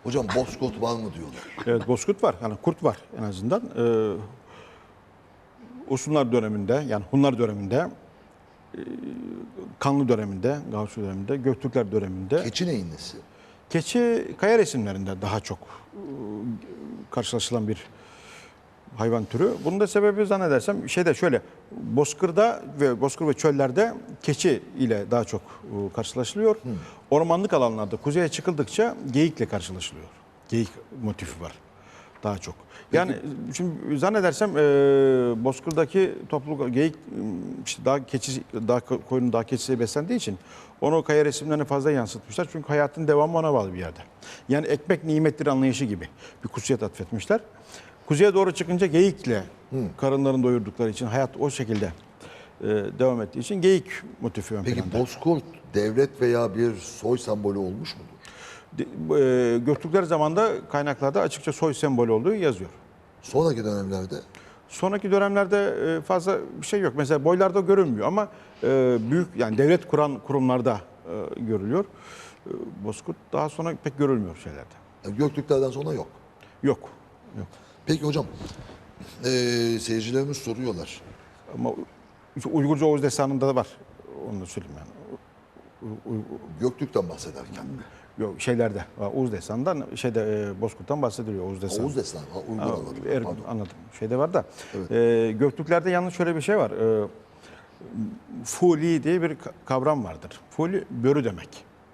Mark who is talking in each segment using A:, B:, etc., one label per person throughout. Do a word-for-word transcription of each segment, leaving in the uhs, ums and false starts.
A: Hocam bozkurt var mı diyorlar.
B: Evet, bozkurt var. Yani kurt var en azından. Ee, Usunlar döneminde, yani Hunlar döneminde, e, Kanlı döneminde, Gavsu döneminde, Göktürkler döneminde.
A: Keçi neyin nesi?
B: Keçi kaya resimlerinde daha çok e, karşılaşılan bir hayvan türü. Bunun da sebebi zannedersem şeyde şöyle, bozkırda ve bozkır ve çöllerde keçi ile daha çok e, karşılaşılıyor. Hmm. Ormanlık alanlarda kuzeye çıkıldıkça geyikle karşılaşılıyor. Geyik motifi var daha çok. Yani peki, şimdi zannedersem e, bozkırdaki topluluk geyik işte daha keçi, daha koyunun daha keçisi beslendiği için onu kaya resimlerine fazla yansıtmışlar. Çünkü hayatın devamı ona bağlı bir yerde. Yani ekmek nimettir anlayışı gibi bir kutsiyet atfetmişler. Kuzeye doğru çıkınca geyikle hmm. karınlarını doyurdukları için hayat o şekilde e, devam ettiği için geyik motifi ön
A: Peki
B: planda.
A: bozkurt devlet veya bir soy sembolü olmuş mudur?
B: E, Göktürkler zamanında kaynaklarda açıkça soy sembolü olduğu yazıyor.
A: Sonraki dönemlerde?
B: Sonraki dönemlerde e, fazla bir şey yok. Mesela boylarda görünmüyor ama e, büyük yani devlet kuran kurumlarda e, görülüyor. E, bozkurt daha sonra pek görülmüyor şeylerde.
A: Yani Göktürklerden sonra yok.
B: Yok. Yok.
A: Peki hocam, e, seyircilerimiz soruyorlar.
B: Ama Uygurca Oğuz Destanı'nda da var. Onu da söyleyeyim yani.
A: Göktürk'ten bahsederken.
B: Yok şeylerde. Oğuz Destanı'ndan şeyde e, Bozkurt'tan bahsediliyor Oğuz Destanı.
A: Oğuz Destanı. Ha, Uygur anladım.
B: Er, anladım. Şeyde var da.
A: Evet.
B: E, Göktürklerde yalnız şöyle bir şey var. E, Fuli diye bir kavram vardır. Fuli börü demek.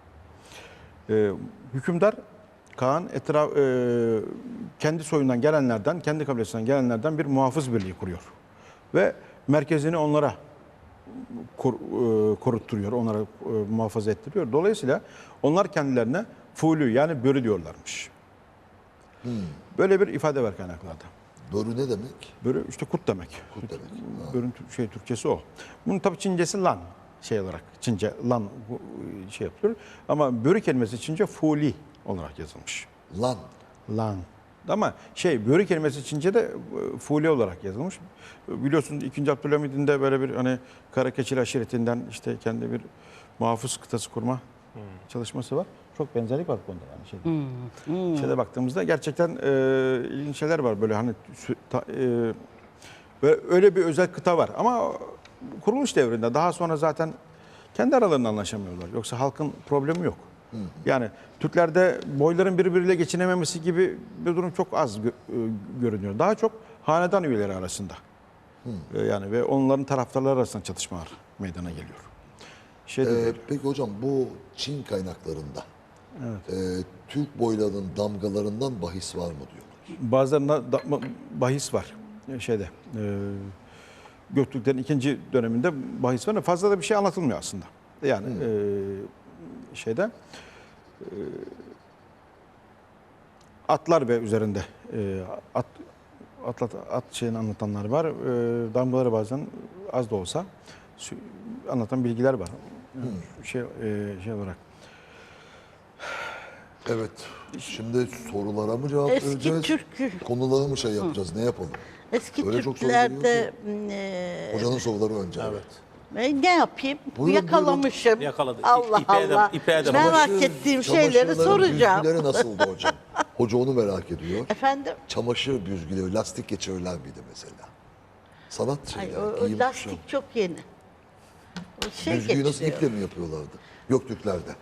B: E, hükümdar Kaan etraf e, kendi soyundan gelenlerden, kendi kabilesinden gelenlerden bir muhafız birliği kuruyor. Ve merkezini onlara kor, e, korutturuyor, onlara e, muhafaza ettiriyor. Dolayısıyla onlar kendilerine fulü yani börü diyorlarmış. Hmm. Böyle bir ifade var kaynaklarda.
A: Börü ne demek?
B: Börü işte kurt demek.
A: Kurt demek.
B: Börün şey Türkçesi o. Bunun tabii Çincesi lan şey olarak. Çince lan şey yapıyor. Ama börü kelimesi Çince fuli olarak yazılmış.
A: Lan.
B: Lan. Ama şey börü kelimesi Çince'de fuli olarak yazılmış. Biliyorsunuz ikinci. Abdülhamid'in de böyle bir hani Karakeçili aşiretinden işte kendi bir muhafız kıtası kurma hmm. çalışması var. Çok benzerlik var bu konuda yani şeyde. Hmm. Hmm. Şeyde baktığımızda gerçekten e, ilginç şeyler var böyle hani ta, e, böyle öyle bir özel kıta var ama kuruluş devrinde daha sonra zaten kendi aralarında anlaşamıyorlar. Yoksa halkın problemi yok. Hı hı. Yani Türklerde boyların birbiriyle geçinememesi gibi bir durum çok az gö görünüyor. Daha çok hanedan üyeleri arasında. Hı. Yani ve onların taraftarları arasında çatışmalar meydana geliyor.
A: Ee, peki hocam bu Çin kaynaklarında evet. e, Türk boylarının damgalarından bahis var mı diyorlar?
B: Bazılarında da, bahis var şeyde. E, Göktürklerin ikinci döneminde bahis var. Fazla da bir şey anlatılmıyor aslında. Yani e, şeyde e, atlar ve üzerinde e, at atlat at şeyini anlatanlar var. E, damgaları bazen az da olsa anlatan bilgiler var. Hmm. Şey e, şey olarak.
A: Evet. Şimdi sorulara mı cevap
C: Eski
A: vereceğiz?
C: Türk
A: Konulara mı şey yapacağız? Hı. Ne yapalım?
C: Eski
A: Öyle
C: Türklerde
A: e... hocanın soruları önce. Evet.
C: Ben ne yapayım?
A: Buyurun,
C: Yakalamışım.
A: buyurun.
D: Yakaladı.
C: Allah
D: İpe
C: Allah.
D: Edem, ipe edem.
C: Merak
A: Çamaşır,
C: ettiğim şeyleri soracağım.
A: Büzgüleri nasıldı hocam? Hoca onu merak ediyor.
C: Efendim?
A: Çamaşır büzgüleri, lastik geçirirler miydi mesela? Sanat şeyleri,
C: Ay, o, o lastik kuşam. Çok yeni. O şey
A: Büzgüyü nasıl
C: geçiriyor.
A: iple mi yapıyorlardı? Göktürklerde.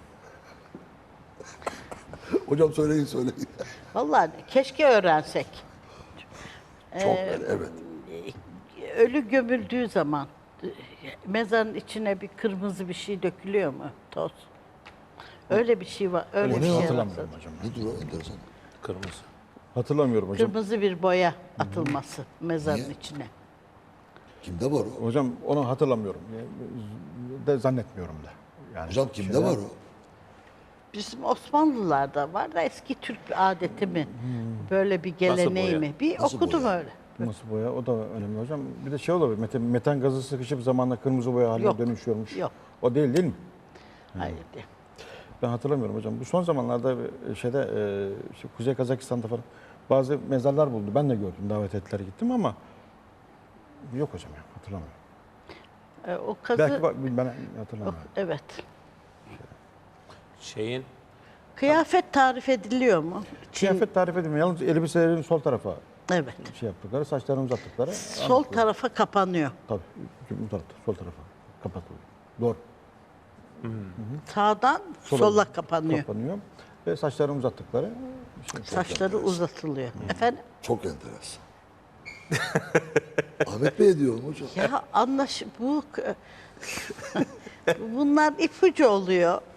A: Hocam söyleyin söyleyin.
C: Vallahi keşke öğrensek.
A: Çok ee, evet.
C: Ölü gömüldüğü zaman mezarın içine bir kırmızı bir şey dökülüyor mu? Toz. Öyle bir şey var. Öyle
B: o
C: bir
B: ne
C: şey
B: hatırlamıyorum hocam.
A: Nedir o enteresan?
D: Kırmızı.
B: Hatırlamıyorum hocam.
C: Kırmızı bir boya atılması mezarın
A: Niye?
C: içine.
A: Kimde var o?
B: Hocam onu hatırlamıyorum. De zannetmiyorum da. Yani
A: hocam kimde
B: şeyler...
A: var o?
C: Bizim Osmanlılarda var da eski Türk adeti mi? Hmm. Böyle bir geleneği mi? Bir
A: Nasıl
C: okudum
A: boya?
C: öyle.
B: Nasıl boya? O da önemli hocam. Bir de şey olabilir. Metan, metan gazı sıkışıp zamanla kırmızı boya haline
C: Yok,
B: dönüşüyormuş.
C: yok.
B: O değil değil mi?
C: Hayır değil.
B: Ben hatırlamıyorum hocam. Bu son zamanlarda şeyde e, işte Kuzey Kazakistan'da falan bazı mezarlar buldu. Ben de gördüm. Davet ettiler gittim ama yok hocam ya. Hatırlamıyorum.
C: E, o kazı...
B: Belki bak, ben hatırlamıyorum.
C: O, evet.
D: Şeyin
C: Kıyafet tarif ediliyor mu? Çin-
B: Kıyafet tarif edilmiyor. Yalnız elbiselerin sol tarafa
C: Evet.
B: şey yaptıkları, saçlarını uzattıkları.
C: Sol tarafa kapanıyor.
B: Tabii. Bu tarafta, sol tarafa kapatılıyor. Doğru.
C: Sağdan sola kapanıyor.
B: Kapanıyor. Ve saçlarını uzattıkları. Şey.
C: Saçları uzatılıyor. Efendim?
A: Çok enteresan. Ahmet Bey diyorum hocam.
C: Ya anlaş bu bunlar ipucu oluyor.